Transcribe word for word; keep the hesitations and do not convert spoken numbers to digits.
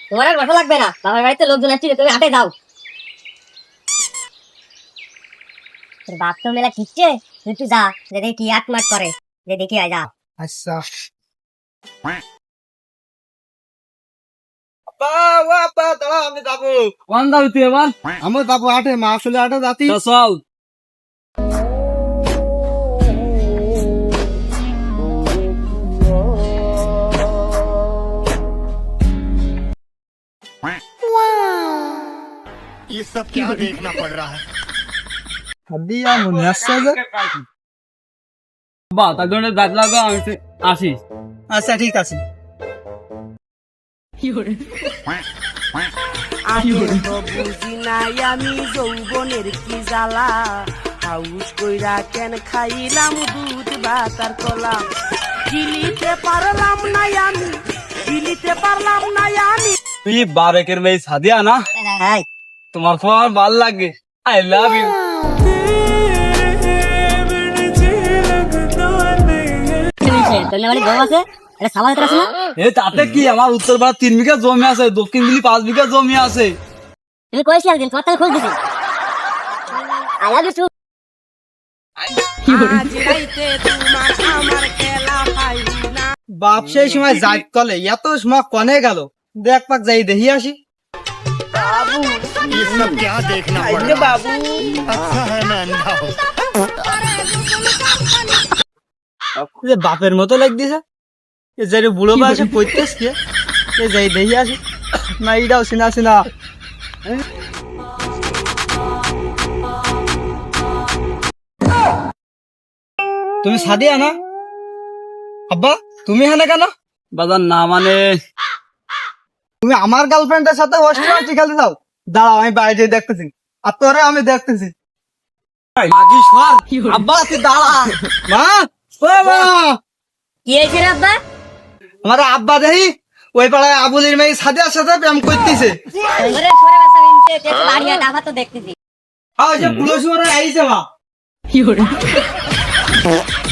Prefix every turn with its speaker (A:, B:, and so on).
A: তোমার আর বসা লাগবে না, বাবার বাড়িতে লোকজন আসছে, তুমি হাটে যাও। তোর বাপ তো মেলা খিচ্ছে, তুই একটু যা, যে দেখি কি আট মাট করে, যে দেখি আয় যা।
B: আচ্ছা আমি যাবো।
C: কোন যাবি তুই এবার?
B: আমি যাবো আটে, মা আসলে আটে যাতি।
C: তো চল।
D: ये सब क्या देखना पड़ रहा है।
B: হাদিয়া মনে আসছে যে।
C: বা তার জন্য দাঁত লাগা আমি আসিস।
B: আচ্ছা ঠিক আছে।
E: বুঝি নাই আমি যৌবনের কি জ্বালা, হাউস কইরা কেন খাইলাম দুধ বাতার কলা, গিলিতে পারলাম না আমি, গিলিতে পারলাম না আমি।
C: তুই বারেকের মেয়ে সাদিয়া না?
A: হ্যাঁ,
C: তোমার খুব আমার ভালো লাগে। I love you.
A: তোর বাড়ি গম আছে, এটা সামাল আছে না?
C: এ তাতে কি, আমার উত্তর পাড়া তিন বিঘা জমি আছে, দক্ষিণ দিল্লি পাঁচ বিঘা জমি আছে।
A: তুমি কইছি একদিন, তোমার তাহলে খোঁজ দিছি। I love you too.
E: আজ রাইতে তোমার আমার খেলা পাই না।
B: বাপ সেই সময় যাই কলে এত সময় কনে গেল, দেখ পাক যাই দেখি আসি।
D: ये सब क्या देखना पड़ रहा है।
E: বাবু
D: अच्छा है मैं अंधा हूँ।
B: যে বাপের মতো লাগ দিছে, এ যাই বুড়ো বয়সে করতেছ কে, এ যাই দেখি আসি। না এইটাও চিনা চিনা। তুমি সাদিয়া না? আব্বা তুমি এখানে কেন?
C: বাজার না মানে
B: তুমি আমার গার্লফ্রেন্ডের সাথে হোস্টেল খেলতে যাও। দাঁড়াও আমি বাইরে দেখতেছি, আর তোরে আমি দেখতেছি।
C: মাগি সর।
B: আব্বা তুই দাঁড়া। মা ও মা,
A: কি হয়েছে রে আব্বা?
B: আমার আব্বা দেখি ওই পাড়ায় আবুলির মেয়ে সাদিয়ার সাথে প্রেম করতেছে।
A: ওরে সরে বাসা বিনছে, তে তো বাড়ি আটা ভাত তো দেখতেছি।
B: আর ওই যে পুলিশ ওরা আইছে মা।